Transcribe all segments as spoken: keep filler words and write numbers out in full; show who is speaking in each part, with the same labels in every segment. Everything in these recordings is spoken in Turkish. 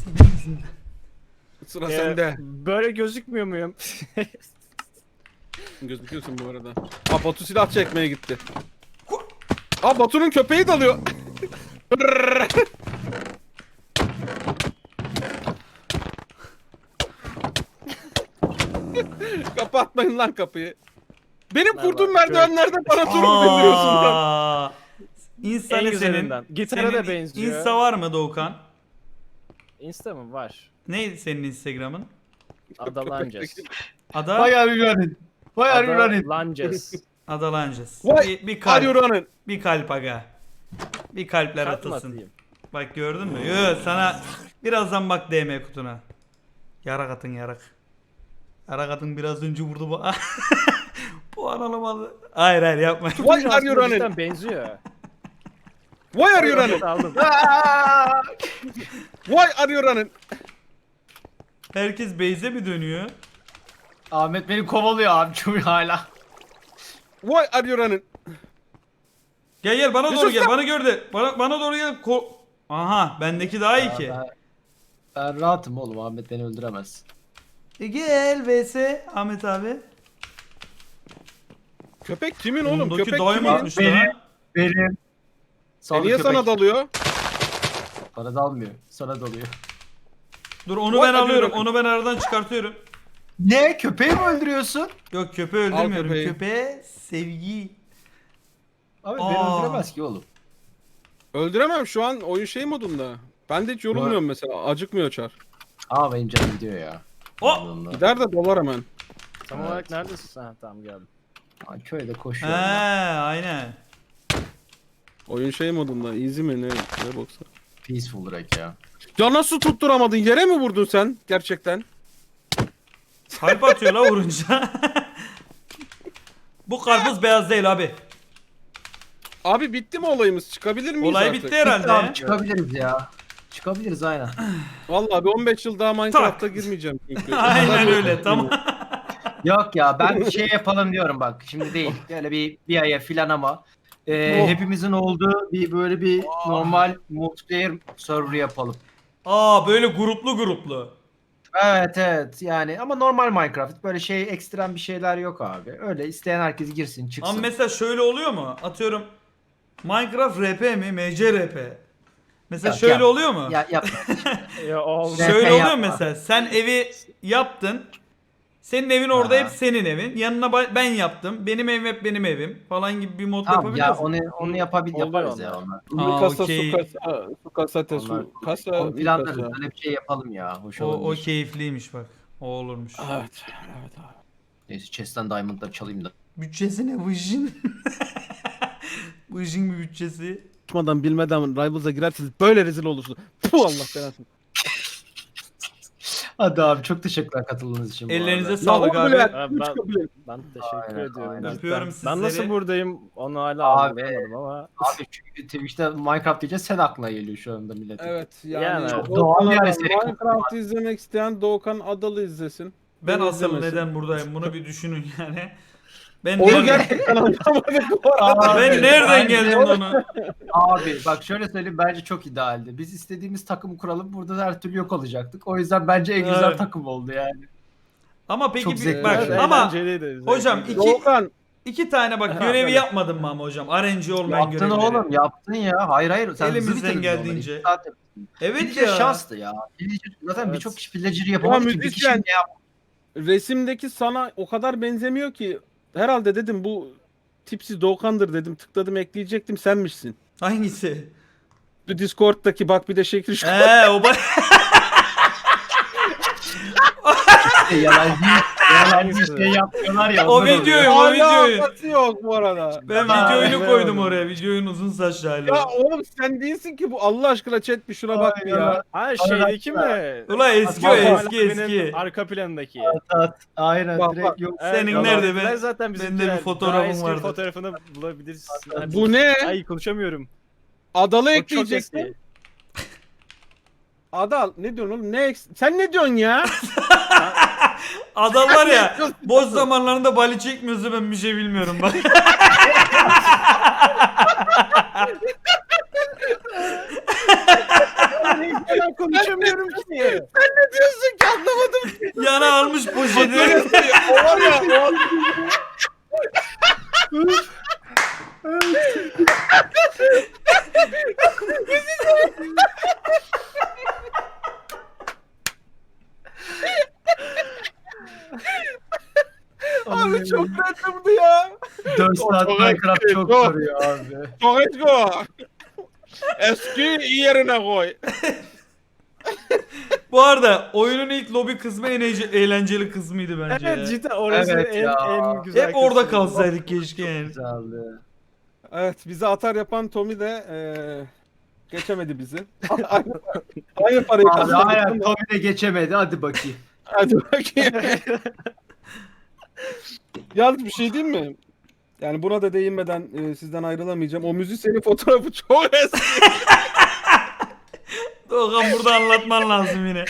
Speaker 1: Senin yüzünden.
Speaker 2: Sıra
Speaker 3: Ee,
Speaker 2: sende.
Speaker 3: Böyle gözükmüyor muyum?
Speaker 2: Gözüküyorsun bu arada. Aa Batu silah çekmeye gitti. Aa Batu'nun köpeği dalıyor. Kapatmayın lan kapıyı. Benim kurduğum
Speaker 3: Merhaba,
Speaker 2: merdivenlerde bana durumu bildiriyorsun lan.
Speaker 1: Aa, İnsa
Speaker 3: En
Speaker 1: ne
Speaker 3: güzelinden.
Speaker 1: senin?
Speaker 3: Gitara
Speaker 1: Senin
Speaker 3: da benziyor.
Speaker 1: Insta var mı Doğukan?
Speaker 3: Insta mı? Var.
Speaker 1: Neydi senin Instagram'ın?
Speaker 3: Adalances.
Speaker 1: Ada?
Speaker 4: Why are you running? Why are you running?
Speaker 3: Adalances.
Speaker 1: Adalances.
Speaker 2: Vay,
Speaker 1: Bir, bir
Speaker 2: Are you
Speaker 1: kalp.
Speaker 2: running?
Speaker 1: Bir kalp aga. Bir kalpler
Speaker 3: Kalp mı
Speaker 1: atılsın.
Speaker 3: atayım?
Speaker 1: Bak gördün mü? Yo sana birazdan bak D M kutuna. Yarak atın yarak. Yarak atın biraz önce vurdu bu. Puan alamadı. Hayır hayır yapma.
Speaker 2: Why are you
Speaker 3: Aslında
Speaker 2: running?
Speaker 3: cidden benziyor.
Speaker 2: Why are you running?
Speaker 3: Aldım.
Speaker 2: Why are you running?
Speaker 1: Herkes base'e mi dönüyor?
Speaker 4: Ahmet beni kovalıyor abi çünkü hala.
Speaker 2: Why are you running?
Speaker 1: Gel gel bana doğru
Speaker 2: Yusuf
Speaker 1: gel.
Speaker 2: sen-
Speaker 1: Bana gördü. Bana, bana doğru gel. Ko- Aha bendeki daha iyi ki.
Speaker 4: Ben, ben rahatım oğlum, Ahmet beni öldüremez.
Speaker 1: E gel V S Ahmet abi.
Speaker 2: Köpek kimin oğlum?
Speaker 1: Bundaki
Speaker 2: Köpek
Speaker 1: daim
Speaker 2: kimin?
Speaker 1: atmış
Speaker 4: Benim.
Speaker 1: lan.
Speaker 4: Benim.
Speaker 2: E niye sana dalıyor?
Speaker 4: Bana dalmıyor. Sana dalıyor.
Speaker 1: Dur onu
Speaker 2: Vay
Speaker 1: ben
Speaker 2: be,
Speaker 1: alıyorum.
Speaker 2: bakın.
Speaker 1: Onu ben aradan çıkartıyorum.
Speaker 4: Ne? Köpeği mi öldürüyorsun?
Speaker 1: Yok köpeği öldürmüyorum.
Speaker 2: köpeği.
Speaker 1: Köpeğe sevgi.
Speaker 4: Abi beni
Speaker 1: Aa.
Speaker 4: öldüremez ki oğlum.
Speaker 2: Öldüremem şu an oyun şey modunda. Ben de hiç yorulmuyorum mesela. Acıkmıyor Çar.
Speaker 4: Aa benim canım gidiyor ya.
Speaker 1: Oh!
Speaker 4: Onunla.
Speaker 2: Gider de dolar hemen.
Speaker 3: Tam
Speaker 4: Evet.
Speaker 3: olarak neredesin? Ha tamam geldim.
Speaker 4: Aa, köyde
Speaker 1: He
Speaker 4: koşuyorum.
Speaker 1: aynen.
Speaker 2: Oyun şey modunda. Easy mi ne? Ne boksa.
Speaker 4: Peaceful direkt ya.
Speaker 2: Ya nasıl tutturamadın? Yere mi vurdun sen? Gerçekten.
Speaker 1: Kalp atıyor la vurunca. Bu karpuz beyaz değil abi.
Speaker 2: Abi bitti mi olayımız? Çıkabilir miyiz
Speaker 1: Olay
Speaker 2: artık?
Speaker 1: bitti herhalde.
Speaker 4: Abi çıkabiliriz ya. Çıkabiliriz aynen.
Speaker 2: Vallahi bir on beş yıl daha Minecraft'a girmeyeceğim çünkü.
Speaker 1: Aynen öyle tamam.
Speaker 4: Yok ya ben şey yapalım diyorum bak. Şimdi değil. Böyle bir bir aya filan ama. e,
Speaker 2: Oh.
Speaker 4: hepimizin olduğu bir böyle bir normal multiplayer server yapalım.
Speaker 1: Aa böyle gruplu gruplu.
Speaker 4: Evet evet yani ama normal Minecraft böyle şey ekstrem bir şeyler yok abi. Öyle isteyen herkes girsin çıksın.
Speaker 1: Ama mesela şöyle oluyor mu? Atıyorum Minecraft R P mi? M C R P. Mesela
Speaker 4: Yok,
Speaker 1: şöyle
Speaker 4: yap-
Speaker 1: oluyor mu?
Speaker 4: Ya yap.
Speaker 3: Ya oldu.
Speaker 4: Ne?
Speaker 1: Şöyle
Speaker 4: R P
Speaker 1: oluyor
Speaker 4: yapma.
Speaker 1: mesela. Sen evi yaptın. Senin evin orada
Speaker 4: Aha.
Speaker 1: hep senin evin. Yanına ba- ben yaptım. Benim evim hep benim evim falan gibi bir mod
Speaker 4: Tamam
Speaker 1: yapabiliyor
Speaker 4: ya
Speaker 1: musun?
Speaker 4: onu onu yapabil
Speaker 3: Oluyor
Speaker 4: yaparız
Speaker 3: onlar.
Speaker 4: ya onlar.
Speaker 1: Aa,
Speaker 2: kasa,
Speaker 1: okey.
Speaker 2: su kasa, su kasa, te,
Speaker 4: Onlar
Speaker 2: su kasa,
Speaker 4: onu
Speaker 2: bir
Speaker 4: planlarız.
Speaker 2: kasa.
Speaker 4: Öyle bir şey yapalım ya. Hoş
Speaker 1: O, o
Speaker 4: olabilir.
Speaker 1: keyifliymiş bak. O olurmuş.
Speaker 2: Evet, evet abi.
Speaker 4: Neyse chest'ten diamond'ları çalayım da.
Speaker 1: Bütçesi ne bu işin? Bu işin bir bütçesi.
Speaker 2: Tutmadan bilmeden Rivals'a girerseniz böyle rezil olursunuz. Puh Allah belasını.
Speaker 4: Hadi abi çok teşekkürler katıldığınız için. bu
Speaker 1: Ellerinize
Speaker 4: arada.
Speaker 1: sağlık
Speaker 2: Ya,
Speaker 1: abi.
Speaker 2: Bülent,
Speaker 3: Abi
Speaker 2: üç
Speaker 3: ben-
Speaker 2: kabul et.
Speaker 3: Ben teşekkür
Speaker 4: Aynen,
Speaker 3: ediyorum.
Speaker 4: aynen.
Speaker 3: cidden.
Speaker 1: Öpüyorum
Speaker 3: Ben
Speaker 1: sizleri.
Speaker 3: nasıl buradayım onu hala
Speaker 4: Abi.
Speaker 3: anlayamadım ama.
Speaker 4: Abi çünkü Twitch'te Minecraft diyeceğiz sen aklına geliyor şu anda milletin.
Speaker 2: Evet yani,
Speaker 3: Yani,
Speaker 2: Doğukan
Speaker 4: doğal yani
Speaker 2: Adalı-
Speaker 4: senin-
Speaker 2: Minecraft izlemek isteyen Doğukan Adalı izlesin.
Speaker 1: Ben
Speaker 2: Beni
Speaker 1: asıl
Speaker 2: izlemesin.
Speaker 1: neden buradayım bunu bir düşünün yani. Ben
Speaker 2: Onu
Speaker 1: nereden,
Speaker 2: gerçekten anlamadık bu arada.
Speaker 1: ben
Speaker 4: Abi,
Speaker 1: nereden
Speaker 4: bence-
Speaker 1: geldim onu?
Speaker 4: Abi bak şöyle söyleyeyim bence çok idealdi. Biz istediğimiz takımı kuralım burada her türlü yok olacaktık. O yüzden bence en güzel
Speaker 1: Evet.
Speaker 4: takım oldu yani.
Speaker 1: Ama peki
Speaker 4: Çok
Speaker 1: bir-
Speaker 4: zevkli.
Speaker 1: bak
Speaker 2: Evet,
Speaker 1: ama
Speaker 3: Eğlenceliydi,
Speaker 1: hocam
Speaker 3: zevkliydi.
Speaker 1: iki
Speaker 2: Doğukan
Speaker 1: iki tane bak
Speaker 2: Ha,
Speaker 1: görevi
Speaker 2: evet.
Speaker 1: yapmadın mı ama hocam? R N G olmayan
Speaker 4: Yaptın
Speaker 1: görevleri.
Speaker 4: oğlum yaptın ya. Hayır hayır sen hızlı
Speaker 1: Elimizden
Speaker 4: bitirdin
Speaker 1: geldiğince.
Speaker 4: onları. İki saat yaptın.
Speaker 1: Evet
Speaker 4: Villager
Speaker 1: ya.
Speaker 4: şanstı ya. Villager, zaten
Speaker 3: Evet.
Speaker 4: birçok kişi Villager'ı yapamadı ki bir kişi
Speaker 2: müzisyen.
Speaker 4: ne yaptı?
Speaker 2: resimdeki sana o kadar benzemiyor ki. Herhalde dedim bu tipsiz Doğukan'dır dedim. Tıkladım ekleyecektim senmişsin.
Speaker 1: Hangisi?
Speaker 2: Bu Discord'daki bak bir de şekil şu.
Speaker 1: Eee o ba-
Speaker 4: Yalancı, yalancı şey yapıyorlar ya.
Speaker 1: O
Speaker 4: ondan
Speaker 1: videoyu-
Speaker 4: oluyor.
Speaker 1: o videoyu.
Speaker 2: Alakası yok bu arada.
Speaker 1: ben
Speaker 4: Aa,
Speaker 1: videoyu
Speaker 2: evet.
Speaker 1: koydum oraya. Videonun uzun saçlı hali.
Speaker 2: Ya oğlum sen değilsin ki bu. Allah aşkına chat bir şuna bak bir ya.
Speaker 3: Ha şeydeki mi?
Speaker 1: Ulan eski o
Speaker 3: Bak,
Speaker 1: eski
Speaker 3: Alaaddin'in
Speaker 1: eski.
Speaker 3: Arka planındaki.
Speaker 4: Aynen
Speaker 2: Bak,
Speaker 4: direkt
Speaker 2: bak.
Speaker 4: yok.
Speaker 1: Senin
Speaker 3: Evet,
Speaker 1: nerede
Speaker 3: ben
Speaker 1: be?
Speaker 3: zaten bizim
Speaker 1: Bende bir fotoğrafım vardı.
Speaker 3: fotoğrafını bulabilirsin. Hadi.
Speaker 2: Bu ne?
Speaker 3: Ay konuşamıyorum.
Speaker 2: Adalı
Speaker 3: O çok
Speaker 2: ekleyeceksin.
Speaker 3: eski.
Speaker 2: Adal ne diyorsun oğlum? Ne eks- Sen ne diyorsun ya?
Speaker 1: Adam var ya boş zamanlarında bali çekmiyorsa ben bir şey bilmiyorum bak.
Speaker 3: Ben konuşamıyorum ki.
Speaker 2: Ne diyorsun ki anlamadım.
Speaker 1: Yana almış poşeti.
Speaker 2: O var ya o abi çok randımdı ya.
Speaker 4: dört saat
Speaker 2: Çok
Speaker 4: Minecraft
Speaker 2: eski,
Speaker 4: çok
Speaker 2: çok.
Speaker 4: soruyor abi.
Speaker 2: Çok eski. Eski yerine koy.
Speaker 1: Bu arada oyunun ilk lobi kısmı en eğce- eğlenceli kısmıydı bence ya.
Speaker 3: Evet cidden orası
Speaker 4: Evet
Speaker 3: en,
Speaker 4: ya.
Speaker 3: en güzel
Speaker 1: Hep orada
Speaker 3: kısmı.
Speaker 1: kalsaydık keşke yani.
Speaker 4: Güzeldi.
Speaker 2: Evet bizi atar yapan Tommy de eee, geçemedi bizi. aynı, aynı parayı
Speaker 4: Abi
Speaker 2: kazandık.
Speaker 4: aynen Tommy de geçemedi. Hadi bakayım.
Speaker 2: Hadi bakayım. Yalnız bir şey diyeyim mi? Yani buna da değinmeden e, sizden ayrılamayacağım. O müzisyenin fotoğrafı çok eski.
Speaker 1: Doğukan burada anlatman lazım yine.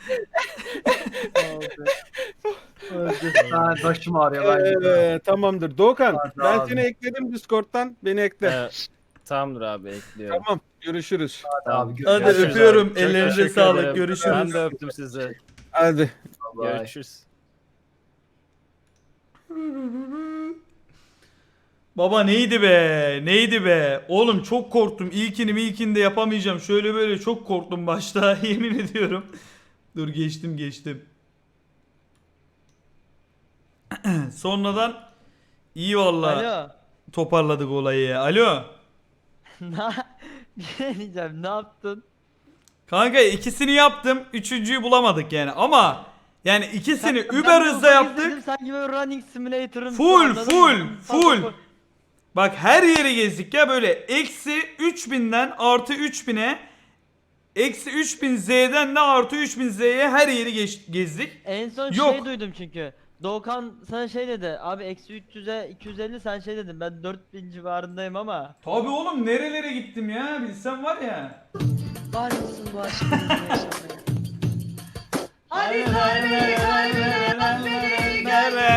Speaker 4: Ha, başım ağrıyor. Ben
Speaker 2: Ee, tamamdır. Doğukan
Speaker 4: Hadi
Speaker 2: ben
Speaker 4: abi.
Speaker 2: seni ekledim Discord'dan. Beni ekle.
Speaker 3: Evet. Tamamdır abi ekliyorum.
Speaker 2: Tamam. Görüşürüz.
Speaker 4: abi.
Speaker 1: Hadi
Speaker 3: Görüşürüz
Speaker 1: öpüyorum.
Speaker 3: abi. Çok
Speaker 1: Ellerinize
Speaker 3: teşekkür
Speaker 1: sağlık.
Speaker 3: ederim.
Speaker 1: Görüşürüz.
Speaker 3: Ben de öptüm sizi.
Speaker 2: Hadi.
Speaker 4: Bye.
Speaker 3: Görüşürüz.
Speaker 1: Baba neydi be? Neydi be? Oğlum çok korktum. İlkini ilkini de yapamayacağım. Şöyle böyle çok korktum başta. Yemin ediyorum. Dur geçtim geçtim. Sonradan iyi vallahi
Speaker 5: Alo.
Speaker 1: toparladık olayı ya. Alo.
Speaker 5: Na bir şey diyeceğim. Ne yaptın?
Speaker 1: Kanka ikisini yaptım. Üçüncüyü bulamadık yani. Ama yani ikisini
Speaker 5: Ben-
Speaker 1: Uber
Speaker 5: ben de
Speaker 1: hızla
Speaker 5: ufak
Speaker 1: yaptık.
Speaker 5: izledim, Sanki böyle running simulator'ın
Speaker 1: Full,
Speaker 5: anladın
Speaker 1: full,
Speaker 5: mı?
Speaker 1: full.
Speaker 5: Full.
Speaker 1: Bak her yeri gezdik ya böyle eksi üç binden artı üç bine eksi üç bin Z'den de artı üç bin Z'ye her yeri geç- gezdik.
Speaker 5: En son
Speaker 1: Yok.
Speaker 5: şey duydum çünkü. Doğukan sana şey dedi. Abi eksi üç yüze iki yüz elli sen şey dedin. Ben dört bin civarındayım ama.
Speaker 1: Tabi oğlum nerelere gittim ya bilsen var ya.
Speaker 6: Var mısın bu aşkı yaşamaya?
Speaker 7: Hadi kalbini kalbine bak beni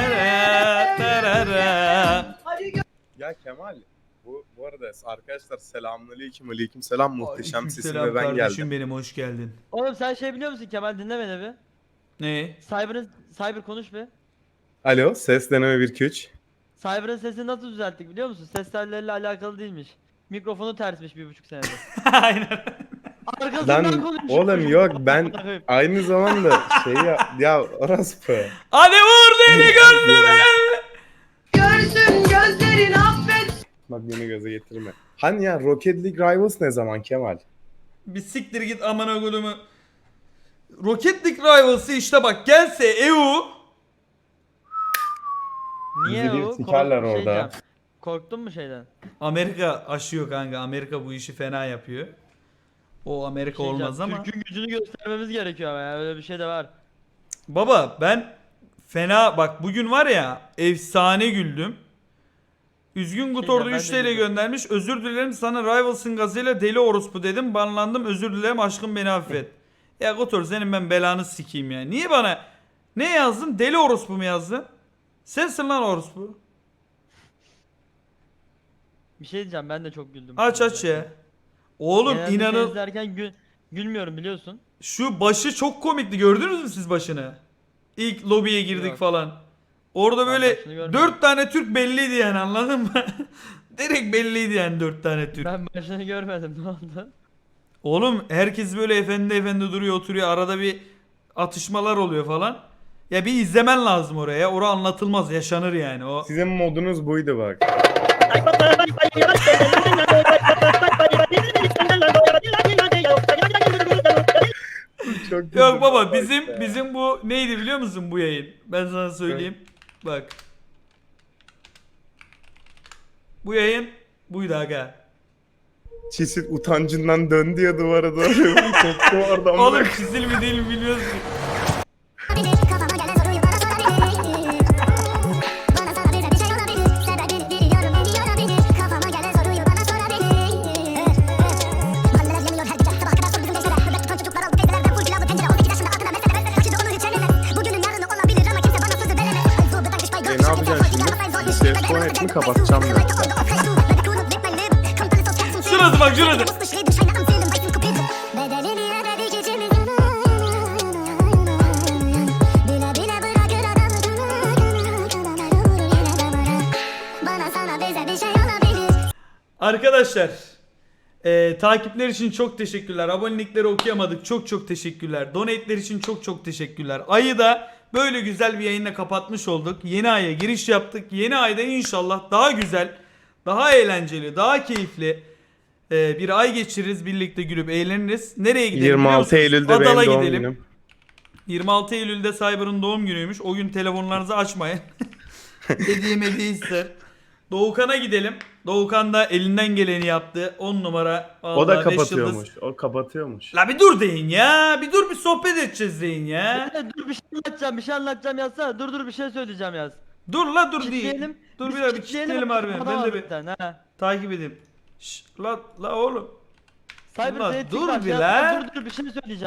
Speaker 7: Hadi gö-
Speaker 8: Ya Kemal, bu bu arada arkadaşlar selamünaleyküm, aleykümselam muhteşem sesim
Speaker 1: Selam
Speaker 8: ve ben
Speaker 1: kardeşim
Speaker 8: geldim.
Speaker 1: benim hoş geldin.
Speaker 5: Oğlum sen şey biliyor musun Kemal dinle beni bir.
Speaker 1: Ne?
Speaker 5: Cyber'ın Cyber konuş bir.
Speaker 8: Alo, ses deneme bir iki üç.
Speaker 5: Cyber'ın sesini nasıl düzelttik biliyor musun? Ses telleriyle alakalı değilmiş. Mikrofonu tersmiş bir buçuk senedir.
Speaker 1: Aynen.
Speaker 5: Arkasından
Speaker 8: Lan
Speaker 5: konuşuyor.
Speaker 8: oğlum yok ben aynı zamanda şey ya, ya orospu.
Speaker 1: Hadi vur deli gönlüme.
Speaker 7: Görsün gözlerin affet.
Speaker 8: Bak beni göze getirme. Hani ya Rocket League Rivals ne zaman Kemal?
Speaker 1: Bir siktir git amına kodumu. Rocket League Rivals'ı işte bak gelse E U.
Speaker 5: Niye
Speaker 8: Bizi bir
Speaker 5: o?
Speaker 8: sikerler
Speaker 5: Kork- şey
Speaker 8: orada.
Speaker 5: diyeceğim. Korktun mu şeyden?
Speaker 1: Amerika aşıyor kanka. Amerika bu işi fena yapıyor. O Amerika
Speaker 5: Şey diyeceğim,
Speaker 1: olmaz ama.
Speaker 5: Türk'ün gücünü göstermemiz gerekiyor ama ya öyle bir şey de var.
Speaker 1: Baba ben fena bak bugün var ya efsane güldüm. Üzgün Gutor'da
Speaker 5: ben de
Speaker 1: üç T L
Speaker 5: güldüm.
Speaker 1: göndermiş. Özür dilerim sana Rivals'ın gazıyla deli orospu dedim. Banlandım özür dilerim aşkım beni affet. Ya Gutor senin ben belanı sikeyim ya. Niye bana ne yazdın? Deli orospu mu yazdın? Sensin lan orospu.
Speaker 5: Bir şey diyeceğim ben de çok güldüm.
Speaker 1: Aç aç ya. Oğlum
Speaker 5: Genelde şey
Speaker 1: inanın
Speaker 5: izlerken gül, gülmüyorum biliyorsun.
Speaker 1: şu başı çok komikti. Gördünüz mü siz başını? İlk lobiye girdik
Speaker 5: Yok.
Speaker 1: falan. Orada
Speaker 5: Ben
Speaker 1: böyle
Speaker 5: başını görmedim.
Speaker 1: dört tane Türk belliydi yani anladın mı? Direkt belliydi yani dört tane Türk.
Speaker 5: Ben başını görmedim ne oldu?
Speaker 1: Oğlum herkes böyle efendi efendi duruyor oturuyor arada bir atışmalar oluyor falan. Ya bir izlemen lazım oraya. Orada anlatılmaz yaşanır yani o.
Speaker 8: Sizin modunuz buydu bak. Çok
Speaker 1: Yok
Speaker 8: güldüm
Speaker 1: baba
Speaker 8: vallahi
Speaker 1: bizim
Speaker 8: işte.
Speaker 1: bizim bu neydi biliyor musun bu yayın? Ben sana söyleyeyim. Bak. Bu yayın buydu aga.
Speaker 8: Çisit utancından döndü ya duvara doğru. Koptu oradan.
Speaker 1: Oğlum çizil mi değil mi bilmiyoruz ki.
Speaker 9: Kafama gelen soruyu bana sorabilir. Bana sorabilir bir şey olabilir. Sebebini biliyorum beni yorabilir. Kafama gelen soruyu bana sorabilir. Anneler yemiyor her gece sabah kadar sor bizim gençlere. Bebek tutan çocuklar oldu teyzelerden full pilav bu tencere. on iki yaşında aklına mesele mesele taşıdı onu hiç eleme. Bugünün yarını olabilir ama kimse bana sözü veremez. Ay bu bıdak düşmay
Speaker 8: E,
Speaker 9: gör.
Speaker 8: ne yapacaksın şimdi? Bir ses konetini kapatacağım ben.
Speaker 1: Şurası bak şurası.
Speaker 9: Bedelini ödedik
Speaker 1: Arkadaşlar e, takipler için çok teşekkürler. Abonelikleri okuyamadık. Çok çok teşekkürler. Donate'ler için çok çok teşekkürler. Ayı da böyle güzel bir yayınla kapatmış olduk. Yeni aya giriş yaptık. Yeni ayda inşallah daha güzel, daha eğlenceli, daha keyifli e, bir ay geçiririz. Birlikte gülüp eğleniriz. Nereye gidelim
Speaker 8: yirmi
Speaker 1: biliyor
Speaker 8: altı
Speaker 1: musunuz?
Speaker 8: Eylül'de
Speaker 1: Adal'a
Speaker 8: benim doğum
Speaker 1: gidelim.
Speaker 8: günüm.
Speaker 1: yirmi altı Eylül'de Cyber'ın doğum günüymüş. O gün telefonlarınızı açmayın. Hediye hediye ister. Doğukan'a gidelim. Doğukan da elinden geleni yaptı. on numara.
Speaker 8: O da
Speaker 1: Vallahi beş yıldız.
Speaker 8: kapatıyormuş. O kapatıyormuş.
Speaker 1: La bir dur deyin ya. Bir dur bir sohbet edeceğiz deyin ya.
Speaker 5: Dede, dur bir şey anlatacağım bir şey anlatacağım yazsana. Dur dur bir şey söyleyeceğim yaz.
Speaker 1: Dur la dur değil.
Speaker 5: Kitleyelim.
Speaker 1: Dur
Speaker 5: Biz
Speaker 1: bir dakika bir
Speaker 5: kitleyelim,
Speaker 1: kitleyelim harbiden.
Speaker 5: adam
Speaker 1: Ben de bir
Speaker 5: zaten, ha.
Speaker 1: takip edeyim. Şş, la la oğlum.
Speaker 5: Cyber
Speaker 1: Ulan
Speaker 5: seni
Speaker 1: dur
Speaker 5: dur
Speaker 1: bir la.
Speaker 5: Dur dur bir şey söyleyeceğim.